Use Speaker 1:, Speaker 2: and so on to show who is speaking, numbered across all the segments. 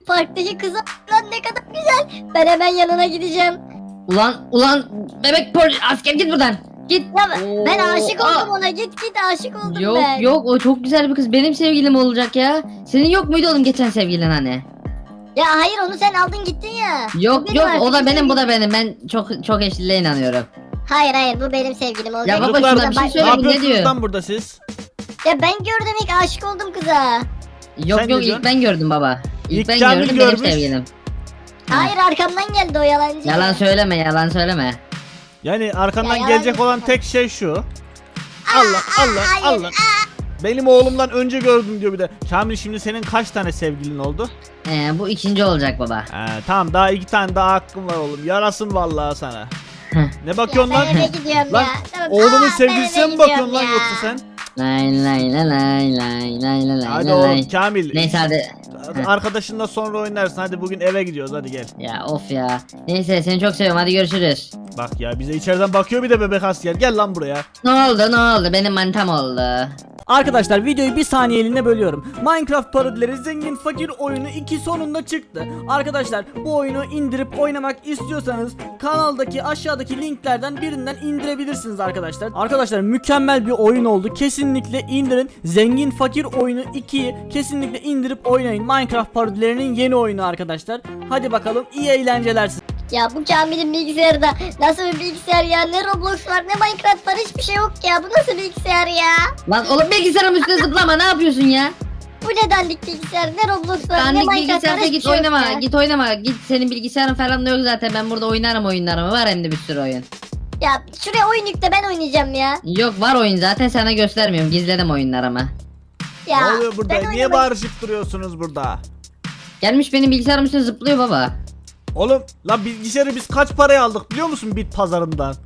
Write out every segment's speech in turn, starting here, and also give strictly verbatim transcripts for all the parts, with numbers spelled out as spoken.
Speaker 1: Parktaki kıza lan ne kadar güzel. Ben hemen yanına gideceğim.
Speaker 2: Ulan ulan bebek polis asker git buradan. Git.
Speaker 1: Ya ben, ben
Speaker 2: Oo,
Speaker 1: aşık
Speaker 2: aa.
Speaker 1: oldum ona. Git git aşık oldum
Speaker 2: Yok
Speaker 1: ben.
Speaker 2: yok o çok güzel bir kız. Benim sevgilim olacak ya. Senin yok muydu oğlum geçen sevgilin hani?
Speaker 1: Ya hayır onu sen aldın gittin ya. Bu
Speaker 2: Yok
Speaker 1: benim
Speaker 2: yok
Speaker 1: artık
Speaker 2: o da benim bu da
Speaker 1: sevgilim.
Speaker 2: benim. Ben çok çok eşliliğe inanıyorum.
Speaker 1: Hayır hayır bu benim sevgilim olacak.
Speaker 2: Ya baba,
Speaker 1: Buradan
Speaker 2: şuna bir şey
Speaker 1: bak-
Speaker 2: söyle.
Speaker 3: Ne
Speaker 2: bu ne
Speaker 3: yapıyorsunuz
Speaker 2: diyor?
Speaker 3: lan burada siz?
Speaker 1: Ya ben gördüm ilk aşık oldum kıza.
Speaker 2: Yok
Speaker 3: Sen ne
Speaker 2: yok
Speaker 3: diyorsun?
Speaker 2: ilk ben gördüm baba. İlk,
Speaker 3: İlk
Speaker 2: ben
Speaker 3: Kamil
Speaker 2: gördüm benim
Speaker 3: görmüş.
Speaker 2: sevgilim. Ha.
Speaker 1: Hayır arkamdan geldi o yalancı.
Speaker 2: Yalan söyleme yalan söyleme.
Speaker 3: Yani arkandan
Speaker 1: Ya,
Speaker 3: gelecek
Speaker 1: yalan-
Speaker 3: olan tek şey şu. Allah Allah
Speaker 1: hayır,
Speaker 3: Allah. Benim oğlumdan önce gördüm diyor bir de. Kamil şimdi senin kaç tane sevgilin oldu?
Speaker 2: Ee, bu ikinci olacak baba.
Speaker 3: He, tamam daha iki tane daha hakkım var oğlum. Yarasın vallahi sana.
Speaker 2: Heh.
Speaker 3: Ne
Speaker 1: Ya
Speaker 3: bakıyorsun
Speaker 1: ben
Speaker 3: lan?
Speaker 1: eve gidiyorum
Speaker 3: Lan
Speaker 1: ya. Tamam.
Speaker 3: oğlumun
Speaker 1: Aa,
Speaker 3: sevgilisine
Speaker 1: ben eve
Speaker 3: mi bakıyorsun
Speaker 1: gidiyorum
Speaker 3: lan
Speaker 1: ya.
Speaker 3: yoksa sen?
Speaker 2: Lay lay lay lay lay lay lay
Speaker 3: Hadi
Speaker 2: lay
Speaker 3: oğlum
Speaker 2: lay.
Speaker 3: Kamil.
Speaker 2: Neyse hadi. Heh.
Speaker 3: Arkadaşınla sonra oynarsın. Hadi bugün eve gidiyoruz hadi gel.
Speaker 2: Ya of ya. Neyse seni çok seviyorum hadi görüşürüz.
Speaker 3: Bak ya bize içeriden bakıyor bir de bebek asker. Gel lan buraya.
Speaker 2: Ne oldu ne oldu benim manitam oldu.
Speaker 4: Arkadaşlar videoyu bir saniyeliğine bölüyorum. Minecraft parodileri zengin fakir oyunu iki sonunda çıktı. Arkadaşlar bu oyunu indirip oynamak istiyorsanız kanaldaki aşağıdaki linklerden birinden indirebilirsiniz arkadaşlar. Arkadaşlar mükemmel bir oyun oldu. Kesinlikle indirin. Zengin fakir oyunu ikiyi kesinlikle indirip oynayın. Minecraft parodilerinin yeni oyunu arkadaşlar. Hadi bakalım iyi eğlenceler size.
Speaker 1: Ya bu Kamil'in bilgisayarda nasıl bir bilgisayar ya? Ne Roblox var ne Minecraft var hiçbir şey yok ya. Bu nasıl bilgisayar ya?
Speaker 2: Lan oğlum bilgisayarın üstüne zıplama ne yapıyorsun ya?
Speaker 1: Bu ne dandik bilgisayar? Ne Roblox var ne
Speaker 2: Dandik
Speaker 1: Minecraft var
Speaker 2: bilgisayarda
Speaker 1: hiçbir
Speaker 2: git
Speaker 1: şey yok
Speaker 2: oynama
Speaker 1: ya.
Speaker 2: git oynama git senin bilgisayarın falan da yok zaten ben burada oynarım oyunlarımı var hem de bir sürü oyun.
Speaker 1: Ya şuraya oyun yükle ben oynayacağım ya.
Speaker 2: Yok var oyun zaten sana göstermiyorum gizledim oyunlarımı.
Speaker 1: Ya
Speaker 3: ne oluyor burada?
Speaker 1: ben
Speaker 3: Niye
Speaker 1: oynamak-
Speaker 3: bağırışıp duruyorsunuz burada?
Speaker 2: Gelmiş benim bilgisayarım üstüne zıplıyor baba.
Speaker 3: Oğlum lan bilgisayarı biz kaç paraya aldık biliyor musun bit pazarından?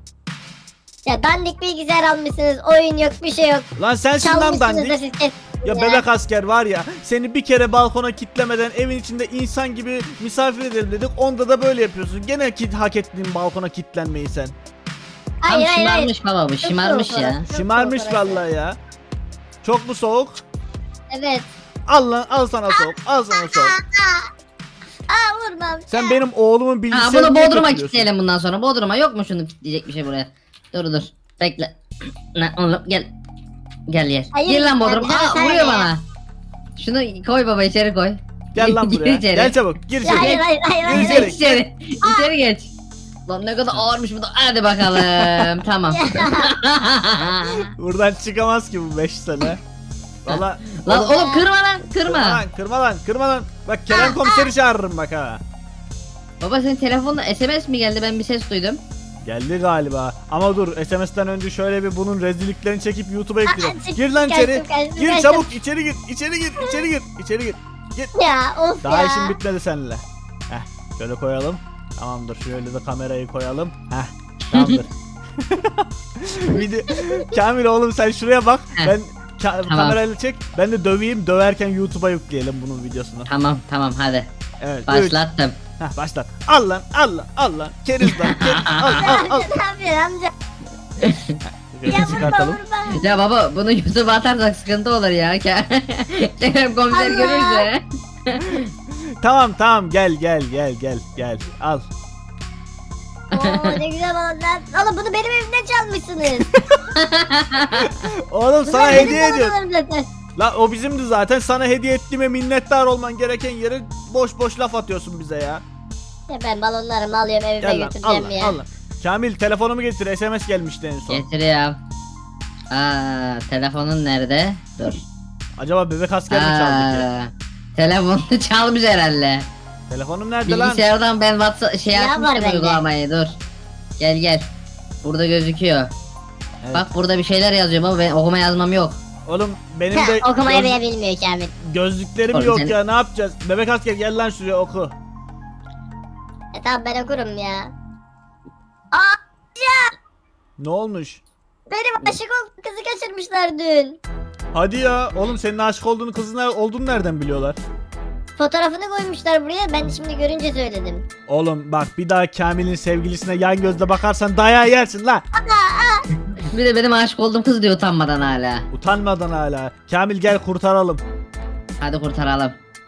Speaker 1: Ya dandik bilgisayar almışsınız. Oyun yok bir şey yok.
Speaker 3: Lan sensin lan
Speaker 1: Çalmışsınız da
Speaker 3: dandik.
Speaker 1: siz. kes-
Speaker 3: Ya bebek asker var ya seni bir kere balkona kitlemeden evin içinde insan gibi misafir edelim dedik. Onda da böyle yapıyorsun. Gene ki hak ettiğin balkona kitlenmeyi sen.
Speaker 2: Tam
Speaker 1: Hayır hayır hayır.
Speaker 2: şımarmış baba bu
Speaker 1: Çok
Speaker 2: şımarmış
Speaker 1: soğuk
Speaker 2: ya.
Speaker 1: orası, çok
Speaker 3: Şımarmış
Speaker 1: soğuk orası.
Speaker 3: vallahi ya. Çok mu soğuk?
Speaker 1: Evet.
Speaker 3: Al lan al sana soğuk. Al sana soğuk.
Speaker 1: Aa vurmam.
Speaker 3: Sen benim oğlumun
Speaker 2: Ha
Speaker 3: bilgisayarını
Speaker 2: bunu
Speaker 3: niye
Speaker 2: Bodrum'a
Speaker 3: kötülüyorsun?
Speaker 2: kilitleyelim bundan sonra. Bodrum'a yok mu şunu kilitleyecek bir şey buraya? Dur dur. Bekle. Ne oğlum gel. Gel yer.
Speaker 1: Hayır,
Speaker 2: Gir lan
Speaker 1: ya
Speaker 2: Bodrum'a.
Speaker 1: bir daha
Speaker 2: Aa
Speaker 1: sen
Speaker 2: vuruyor
Speaker 1: de ya.
Speaker 2: bana. Şunu koy baba içeri koy.
Speaker 3: Gel lan
Speaker 2: Gir
Speaker 3: buraya.
Speaker 2: içeri.
Speaker 3: Gel çabuk. Gir
Speaker 1: Ya hayır
Speaker 3: içeri.
Speaker 1: hayır hayır hayır.
Speaker 3: Gir
Speaker 1: hayır.
Speaker 2: Geç içeri. İçeri geç. Lan ne kadar ağırmış bu da. Hadi bakalım. Tamam.
Speaker 3: Buradan çıkamaz ki bu beş sene. Valla.
Speaker 2: Lan oğlum kırma lan
Speaker 3: Kırma
Speaker 2: kırma.
Speaker 3: lan, kırma lan, kırma lan. Bak Kerem komiseri çağırırım bak ha.
Speaker 2: Baba senin telefonda S M S mi geldi ben bir ses duydum.
Speaker 3: Geldi galiba. Ama dur S M S'ten önce şöyle bir bunun rezilliklerini çekip YouTube'a yükleyeceğim.
Speaker 1: Aa,
Speaker 3: Gir lan
Speaker 1: kaçtım,
Speaker 3: içeri.
Speaker 1: kaçtım,
Speaker 3: Gir
Speaker 1: kaçtım.
Speaker 3: çabuk içeri gir. İçeri gir. İçeri gir. İçeri gir. Gir.
Speaker 1: Ya of
Speaker 3: Daha
Speaker 1: ya.
Speaker 3: işim bitmedi seninle. Heh. Şöyle koyalım. Tamamdır. Şöyle de kamerayı koyalım. Heh. Tamamdır. Video... Kamil oğlum sen şuraya bak.
Speaker 2: Heh.
Speaker 3: Ben ka-
Speaker 2: Tamam.
Speaker 3: kamerayla çek. Ben de döveyim. Döverken YouTube'a yükleyelim bunun videosunu.
Speaker 2: Tamam tamam hadi.
Speaker 3: Evet. üç.
Speaker 2: Başlattım.
Speaker 3: Heh, başlat. Al lan, al lan, al lan. Keriz lan, keriz. Al, al, al.
Speaker 1: Ne yapıyorsun amca?
Speaker 3: Şöyle
Speaker 1: Ya vurma
Speaker 3: çıkartalım.
Speaker 1: vurma.
Speaker 2: Ya baba bunu YouTube'a atarsak sıkıntı olur ya. Kerem komiser
Speaker 1: Allah.
Speaker 2: görürse.
Speaker 3: Tamam, tamam. Gel, gel, gel, gel, gel. Al.
Speaker 1: Oo ne güzel oldu lan. Oğlum bunu benim evimden çalmışsınız.
Speaker 3: Oğlum sana
Speaker 1: Bunlar
Speaker 3: hediye
Speaker 1: benim
Speaker 3: ediyorum.
Speaker 1: babalarım zaten.
Speaker 3: La o bizimdi zaten. Sana hediye ettiğime minnettar olman gereken yere boş boş laf atıyorsun bize ya.
Speaker 1: Ya ben balonlarımı alıyorum evime
Speaker 3: Gel lan, al
Speaker 1: götüreceğim
Speaker 3: lan,
Speaker 1: ya.
Speaker 3: al lan. Kamil telefonumu getir. S M S gelmişti en son.
Speaker 2: Getiriyorum. Aa telefonun nerede? Dur.
Speaker 3: Acaba bebek asker mi çaldı ki?
Speaker 2: Aa, telefonunu çalmış herhalde.
Speaker 3: Telefonum nerede lan?
Speaker 2: Bilgisayardan ben WhatsApp şey
Speaker 1: Ya var
Speaker 2: açmıştım
Speaker 1: bende.
Speaker 2: uygulamayı dur. Gel gel. Burada gözüküyor.
Speaker 3: Evet.
Speaker 2: Bak burada bir şeyler yazıyor baba ben okuma yazmam yok.
Speaker 3: Oğlum benim de
Speaker 1: Okumayı
Speaker 3: göz-
Speaker 1: bile bilmiyor Kamil.
Speaker 3: gözlüklerim
Speaker 2: Oğlum
Speaker 3: yok
Speaker 2: sen-
Speaker 3: ya. Ne yapacağız? Bebek asker gel lan şuraya oku.
Speaker 1: E tamam ben okurum ya. Aa
Speaker 3: Ne olmuş?
Speaker 1: benim aşık olduğum kızı kaçırmışlar dün.
Speaker 3: Hadi ya. Oğlum senin aşık olduğunu kızın ner- olduğunu nereden biliyorlar?
Speaker 1: Fotoğrafını koymuşlar buraya ben şimdi görünce söyledim.
Speaker 3: Oğlum bak bir daha Kamil'in sevgilisine yan gözle bakarsan dayağı yersin la.
Speaker 2: Bir de benim aşık olduğum kız diyor utanmadan hala.
Speaker 3: Utanmadan hala. Kamil gel kurtaralım.
Speaker 2: Hadi kurtaralım.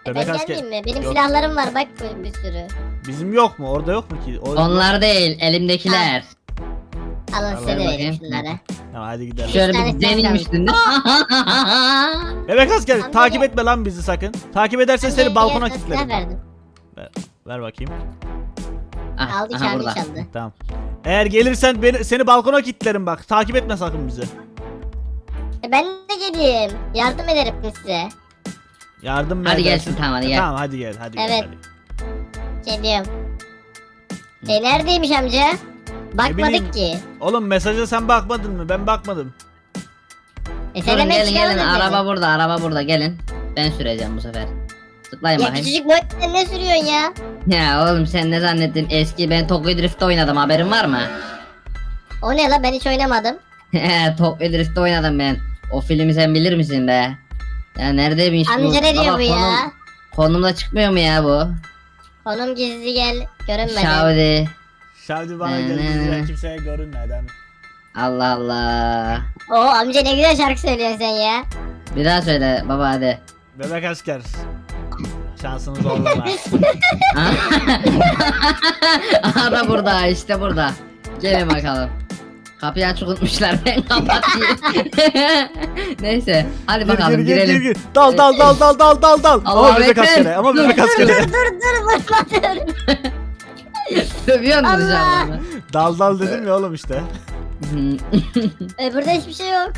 Speaker 1: Ben
Speaker 3: Bebek asker.
Speaker 1: gelmeyeyim mi? Benim
Speaker 3: Yok.
Speaker 1: silahlarım var bak bir, bir sürü.
Speaker 3: Bizim yok mu? Orada yok mu ki? O-
Speaker 2: Onlar değil elimdekiler.
Speaker 1: Alın
Speaker 3: Al,
Speaker 1: size de
Speaker 2: bakayım.
Speaker 1: vereyim şunları.
Speaker 3: Tamam hadi gidelim.
Speaker 2: Şöyle
Speaker 1: tane
Speaker 2: bir
Speaker 1: silah
Speaker 2: denilmiştin değil mi?
Speaker 3: Bebek asker
Speaker 1: Amca
Speaker 3: takip
Speaker 1: gel.
Speaker 3: etme lan bizi sakın. Takip edersen
Speaker 1: Ben
Speaker 3: seni
Speaker 1: de
Speaker 3: balkona
Speaker 1: yarısına silah
Speaker 3: kilitlerim.
Speaker 1: verdim.
Speaker 3: Ver bakayım.
Speaker 2: Ah,
Speaker 1: Aldı
Speaker 2: aha
Speaker 1: kendi
Speaker 2: burada.
Speaker 1: çaldı.
Speaker 3: Tamam. Eğer gelirsen beni, seni balkona kilitlerim bak. Takip etme sakın bizi.
Speaker 1: E ben de geleyim. Yardım ederim size.
Speaker 3: Yardım mı
Speaker 2: Hadi
Speaker 3: edersin?
Speaker 2: gelsin, tamam, hadi gel.
Speaker 3: Tamam hadi gel hadi
Speaker 1: Evet.
Speaker 3: gel. Hadi.
Speaker 1: Geliyorum. E neredeymiş amca?
Speaker 3: bileyim.
Speaker 1: Bakmadık ki.
Speaker 3: Oğlum mesaja sen bakmadın mı? Ben bakmadım.
Speaker 1: E sen
Speaker 2: Durun
Speaker 1: hemen
Speaker 2: gelin gelin
Speaker 1: çıkarmadın
Speaker 2: araba
Speaker 1: beni.
Speaker 2: burada araba burada gelin. Ben süreceğim bu sefer. Tıklayın
Speaker 1: Ya
Speaker 2: bakayım.
Speaker 1: küçücük boy sen ne sürüyorsun ya?
Speaker 2: Ya oğlum sen ne zannettin eski ben Tokyo Drift'te oynadım haberin var mı?
Speaker 1: O ne la ben hiç oynamadım.
Speaker 2: Tokyo Drift'te oynadım ben. O filmi sen bilir misin be? Ya neredeymiş bu?
Speaker 1: Amca ne diyor
Speaker 2: Baba,
Speaker 1: bu ya?
Speaker 2: konum- Konumda çıkmıyor mu ya bu?
Speaker 1: Konum gizli gel görünmeden.
Speaker 2: Şavdi.
Speaker 3: Şavdi bana
Speaker 2: Ne,
Speaker 3: geldi.
Speaker 2: ne,
Speaker 3: Ben
Speaker 2: ne.
Speaker 3: kimseye görünmeden.
Speaker 2: Allah Allah.
Speaker 1: Oo amca ne güzel şarkı söylüyorsun sen ya.
Speaker 2: Bir daha söyle baba hadi.
Speaker 3: Bebek asker. Şansınız oldu mu?
Speaker 2: Aha da burada işte burada. Gelin bakalım. Kapıyı açık unutmuşlar ben kapatayım. Neyse hadi
Speaker 3: Gir
Speaker 2: bakalım
Speaker 3: gir gir gir
Speaker 2: girelim.
Speaker 3: gir. Dal dal dal dal dal dal dal.
Speaker 2: Allah
Speaker 3: Ama bebek
Speaker 2: bekler.
Speaker 3: askeri. Ama
Speaker 2: Dur,
Speaker 3: bebek
Speaker 2: dur,
Speaker 3: askeri.
Speaker 1: Dur dur vurma dur.
Speaker 2: Dövüyor musun
Speaker 1: Allah.
Speaker 2: dışarıdan?
Speaker 3: Dal dal dedim ya oğlum işte.
Speaker 1: E, burada hiçbir şey yok.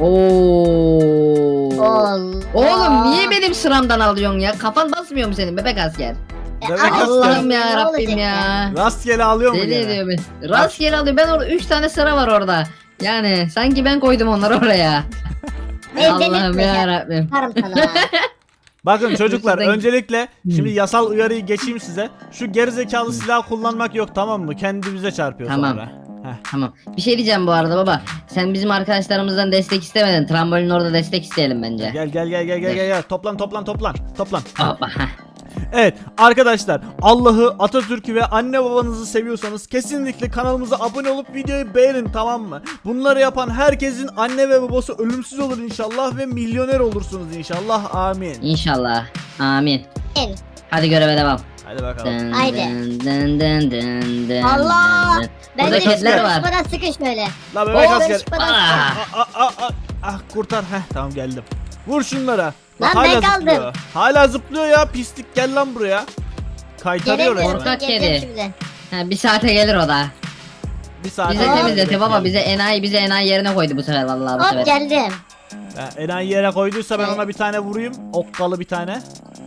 Speaker 2: Oo.
Speaker 1: Allah.
Speaker 2: Oğlum niye benim sıramdan alıyorsun ya? Kafan basmıyor mu senin bebek asker?
Speaker 1: E,
Speaker 3: Bebek
Speaker 1: ama
Speaker 3: asker.
Speaker 2: Allah'ım
Speaker 1: ne
Speaker 2: ya
Speaker 1: olacak
Speaker 2: Rabbim ya.
Speaker 3: Rastgele alıyor mu
Speaker 2: Deli
Speaker 3: gene?
Speaker 2: ediyor beni. Rastgele alıyor. Ben orada üç tane sıra var orada. Yani sanki ben koydum onları oraya.
Speaker 1: Ben
Speaker 2: Allah'ım
Speaker 1: delirtme
Speaker 2: ya
Speaker 1: ya.
Speaker 2: Rabbim.
Speaker 1: Varım sana.
Speaker 3: Bakın çocuklar
Speaker 2: Şuradan-
Speaker 3: öncelikle şimdi
Speaker 2: Hmm.
Speaker 3: yasal uyarıyı geçeyim size. Şu gerizekalı silah kullanmak yok tamam mı? Kendimize çarpıyor
Speaker 2: Tamam.
Speaker 3: sonra. Heh.
Speaker 2: Tamam. Bir şey diyeceğim bu arada baba. Sen bizim arkadaşlarımızdan destek istemedin. Trambolin orada destek isteyelim bence.
Speaker 3: Gel gel gel gel gel gel gel. Toplan toplan toplan. Toplan.
Speaker 2: Hoppa. heh.
Speaker 3: Evet arkadaşlar Allah'ı, Atatürk'ü ve anne babanızı seviyorsanız kesinlikle kanalımıza abone olup videoyu beğenin tamam mı? Bunları yapan herkesin anne ve babası ölümsüz olur inşallah ve milyoner olursunuz inşallah amin.
Speaker 2: İnşallah. Amin.
Speaker 1: En.
Speaker 2: Hadi göreve devam.
Speaker 3: Hadi bakalım.
Speaker 2: Dın
Speaker 1: Haydi.
Speaker 2: dın dın dın dın dın
Speaker 1: Allah!
Speaker 2: dın dın.
Speaker 1: Ben
Speaker 2: Burada
Speaker 1: de
Speaker 2: kediler var.
Speaker 1: çıkmadan sıkın şöyle.
Speaker 3: La bebek
Speaker 1: Oo, ben
Speaker 3: asker.
Speaker 1: çıkmadan
Speaker 2: Ah.
Speaker 1: sıkın.
Speaker 3: Ah, ah, ah, ah, kurtar. Heh tamam geldim. Vur şunlara. Bak,
Speaker 1: Lan ben
Speaker 3: hala
Speaker 1: kaldım.
Speaker 3: zıplıyor. Hala zıplıyor ya pislik gel lan buraya. Kaytarıyor
Speaker 1: Gelemiyorum.
Speaker 3: resmen.
Speaker 2: Korkak
Speaker 1: Geleceğim
Speaker 2: kedi.
Speaker 1: şimdi.
Speaker 2: Ha, bir saate gelir o da.
Speaker 3: Bir saat.
Speaker 2: Bize
Speaker 1: Aa.
Speaker 2: temizleti baba bize enayi bize enayi yerine koydu bu sefer vallahi bu
Speaker 1: Hop
Speaker 2: sefer.
Speaker 1: geldim.
Speaker 3: Enayi yere koyduysa ben
Speaker 1: Evet.
Speaker 3: ona bir tane vurayım. Okkalı bir tane.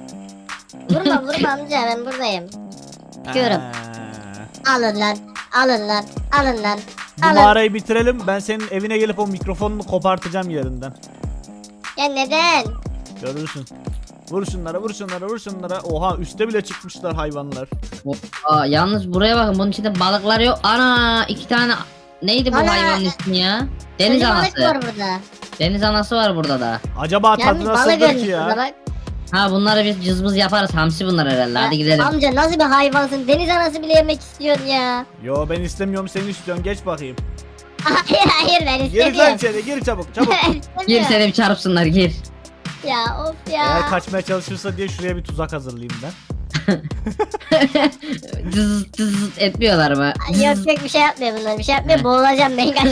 Speaker 1: Vurma vurma amca ben buradayım. Çıkıyorum.
Speaker 3: Ha.
Speaker 1: Alın lan. Alın lan. Alın lan.
Speaker 3: Bu
Speaker 1: Alın.
Speaker 3: mağarayı bitirelim. Ben senin evine gelip o mikrofonunu kopartacağım yerinden.
Speaker 1: Ya neden?
Speaker 3: Görürsün. Vur şunlara, vur şunlara, vur şunlara. Oha üste bile çıkmışlar hayvanlar.
Speaker 2: Aa, yalnız buraya bakın bunun içinde balıklar yok. Ana iki tane neydi bu
Speaker 1: Ana.
Speaker 2: hayvanın ismi ya? Deniz
Speaker 1: Ölü balık var
Speaker 2: anası.
Speaker 1: burada.
Speaker 2: Deniz anası var burada da.
Speaker 3: Acaba tadı
Speaker 1: Yalnız balık
Speaker 3: nasıldır
Speaker 1: ölmüş
Speaker 3: ki
Speaker 1: burada
Speaker 3: ya?
Speaker 1: bak.
Speaker 2: Ha bunları biz cızbız yaparız. Hamsi bunlar herhalde. Hadi
Speaker 1: Ya,
Speaker 2: gidelim.
Speaker 1: Amca nasıl bir hayvansın? Deniz anası bile yemek istiyorsun ya.
Speaker 3: Yo ben istemiyorum seni istiyorum. Geç bakayım.
Speaker 1: Hayır hayır ben
Speaker 3: Gir lan
Speaker 1: istemiyorum.
Speaker 3: içeri, gir çabuk, çabuk.
Speaker 2: Gir
Speaker 1: İstemiyorum.
Speaker 2: seni bir çarpsınlar gir.
Speaker 1: Ya of ya.
Speaker 3: Eğer kaçmaya çalışırsa diye şuraya bir tuzak hazırlayayım ben.
Speaker 2: Cız cız etmiyorlar mı?
Speaker 1: Ay, Yok yok bir şey yapmıyor bunlar. Bir şey yapmıyor. Boğulacağım ben kaç.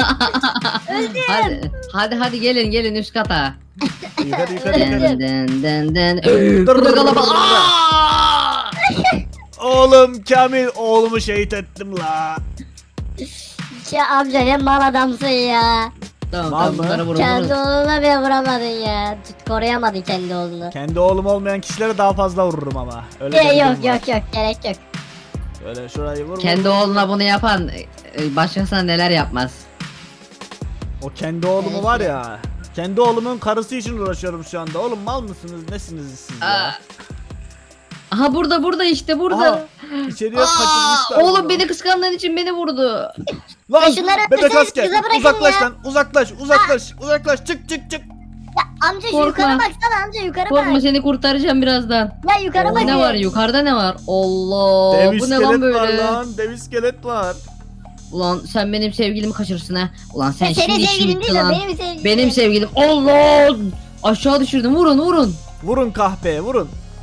Speaker 2: Hadi, hadi hadi gelin gelin üst kata.
Speaker 3: Yukarı yukarı yukarı.
Speaker 2: Dın dın dın dın. Burada kalabalık. Aa!
Speaker 3: Oğlum Kamil oğlumu şehit ettim la.
Speaker 1: Ya amca ne mal adamsın ya.
Speaker 2: Tamam
Speaker 3: Mal
Speaker 2: tamam
Speaker 3: mı?
Speaker 2: bunları vurun
Speaker 1: Kendi
Speaker 2: vurun.
Speaker 1: oğluna bile vuramadın ya. Tut, koruyamadın kendi oğlunu.
Speaker 3: Kendi oğlum olmayan kişilere daha fazla vururum ama. Öyle
Speaker 1: Ya,
Speaker 3: bir durum
Speaker 1: yok
Speaker 3: var.
Speaker 1: yok yok gerek yok.
Speaker 3: Öyle şurayı vur. vur,
Speaker 2: Kendi
Speaker 3: vur.
Speaker 2: oğluna bunu yapan e, başkasına neler yapmaz.
Speaker 3: O kendi oğlumu var ya. Kendi oğlumun karısı için uğraşıyorum şu anda. Oğlum mal mısınız? Nesiniz siz
Speaker 2: Aa,
Speaker 3: ya?
Speaker 2: Aha burada burada işte burada.
Speaker 3: Aha, içeriye
Speaker 2: Aa,
Speaker 3: kaçırmışlar.
Speaker 2: oğlum
Speaker 3: bunu.
Speaker 2: beni kıskandığın için beni vurdu.
Speaker 3: Lan
Speaker 1: Ya şunları
Speaker 3: bebek
Speaker 1: öpseniz
Speaker 3: asker
Speaker 1: kıza bırakın
Speaker 3: uzaklaş
Speaker 1: ya.
Speaker 3: lan uzaklaş uzaklaş uzaklaş çık çık çık.
Speaker 1: Ya amca şu
Speaker 2: Korkma.
Speaker 1: yukarı baksana amca yukarı
Speaker 2: Korkma
Speaker 1: bak.
Speaker 2: seni kurtaracağım birazdan.
Speaker 1: Ya yukarı bak.
Speaker 2: Ne var yukarıda ne var? Allah
Speaker 3: Dev
Speaker 2: bu ne
Speaker 3: iskelet
Speaker 2: lan
Speaker 3: var
Speaker 2: böyle?
Speaker 3: lan dev iskelet var.
Speaker 2: Ulan sen benim sevgilimi kaçırırsın ha. Ulan sen
Speaker 1: Ya senin
Speaker 2: şimdi işin
Speaker 1: sevgilin
Speaker 2: bitti
Speaker 1: değil o
Speaker 2: lan.
Speaker 1: benim sevgilim.
Speaker 2: Benim sevgilim. Allah! Aşağı düşürdüm. Vurun vurun.
Speaker 3: Vurun kahpeye vurun.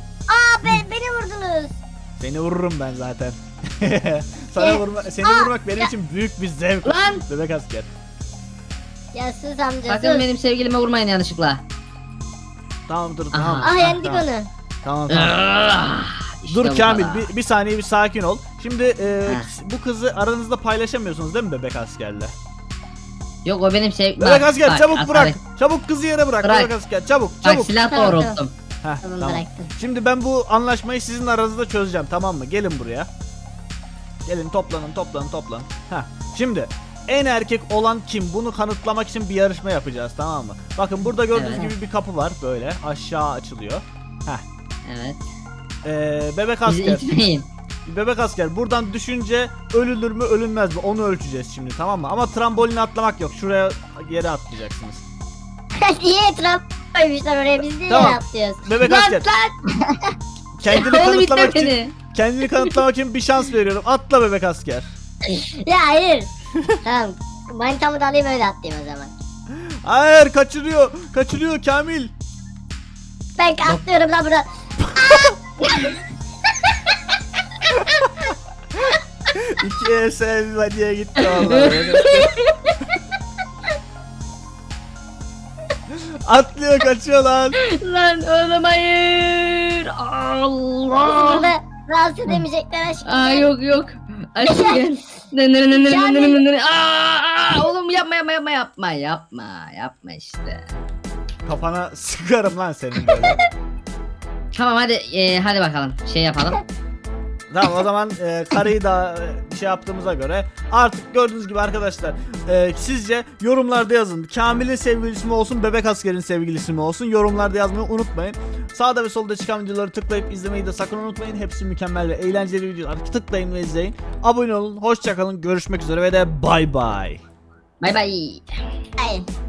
Speaker 1: Aa be, beni vurdunuz.
Speaker 3: Seni vururum ben zaten. Sana vurma, seni vurmak benim için büyük bir zevk.
Speaker 2: Lan!
Speaker 3: Bebek asker.
Speaker 1: Ya sus amca
Speaker 2: Sakın
Speaker 1: sus.
Speaker 2: benim sevgilime vurmayın yanlışlıkla.
Speaker 3: Tamam dur
Speaker 2: Aha.
Speaker 3: tamam.
Speaker 1: Ah yendik
Speaker 3: tamam.
Speaker 1: onu.
Speaker 3: Tamam tamam.
Speaker 2: Ah, işte
Speaker 3: Dur
Speaker 2: bu
Speaker 3: Kamil
Speaker 2: kadar.
Speaker 3: bir, bir saniye bir sakin ol. Şimdi e,
Speaker 2: Heh.
Speaker 3: bu kızı aranızda paylaşamıyorsunuz değil mi bebek askerle?
Speaker 2: Yok o benim sev...
Speaker 3: Bebek asker
Speaker 2: bak,
Speaker 3: çabuk
Speaker 2: bak,
Speaker 3: bırak.
Speaker 2: bak,
Speaker 3: Çabuk kızı yere bırak.
Speaker 2: Bırak.
Speaker 3: Bebek asker çabuk
Speaker 2: Bak
Speaker 3: çabuk.
Speaker 2: silah
Speaker 1: Tamam,
Speaker 2: doğrulttum.
Speaker 3: Heh,
Speaker 1: Tamam,
Speaker 3: tamam.
Speaker 1: bıraktım.
Speaker 3: Şimdi ben bu anlaşmayı sizin aranızda çözeceğim tamam mı? Gelin buraya. Gelin toplanın toplanın toplanın. Heh. Şimdi en erkek olan kim? Bunu kanıtlamak için bir yarışma yapacağız tamam mı? Bakın burada gördüğünüz
Speaker 2: Evet.
Speaker 3: gibi bir kapı var böyle aşağı açılıyor. Heh.
Speaker 2: Evet.
Speaker 3: Ee, bebek
Speaker 2: Bizi
Speaker 3: asker.
Speaker 2: itmeyin.
Speaker 3: Bebek asker buradan düşünce ölünür mü ölünmez mi onu ölçeceğiz şimdi tamam mı? Ama tramboline atlamak yok. Şuraya yere atlayacaksınız.
Speaker 1: Niye etraf koymuşlar oraya biz niye
Speaker 3: Tamam.
Speaker 1: atlıyoruz?
Speaker 3: Bebek
Speaker 2: Lan
Speaker 3: asker
Speaker 2: lan!
Speaker 3: kendini
Speaker 2: Oğlum
Speaker 3: kanıtlamak
Speaker 2: itme
Speaker 3: için
Speaker 2: beni.
Speaker 3: kendini kanıtlamak için bir şans veriyorum. Atla bebek asker.
Speaker 1: Ya hayır. Tamam. Manitamı da alayım öyle atlayayım o zaman.
Speaker 3: Hayır kaçırıyor. Kaçırıyor Kamil.
Speaker 1: Ben atlıyorum lan buradan.
Speaker 3: İki ev diye gitti vallahi. Atlıyor kaçıyor lan.
Speaker 2: Lan oğlum hayır.
Speaker 1: Bizi
Speaker 2: Allah.
Speaker 1: burada rahatsız edemeyecekler aşkım.
Speaker 2: Aa yok yok. Aşkım gel. Nınır nınır nınır nınır nınır. Aa, aa, oğlum yapma yapma yapma yapma yapma yapma işte.
Speaker 3: Kafana sıkarım lan senin böyle.
Speaker 2: Tamam hadi e, hadi bakalım şey yapalım.
Speaker 3: Tamam o zaman e, karıyı da e, şey yaptığımıza göre artık gördüğünüz gibi arkadaşlar e, sizce yorumlarda yazın. Kamil'in sevgilisi mi olsun bebek askerin sevgilisi mi olsun yorumlarda yazmayı unutmayın. Sağda ve solda çıkan videoları tıklayıp izlemeyi de sakın unutmayın. Hepsi mükemmel ve eğlenceli videolar. Tıklayın ve izleyin. Abone olun. Hoşçakalın. Görüşmek üzere ve de bay bay.
Speaker 2: Bay bay.
Speaker 1: Hayır.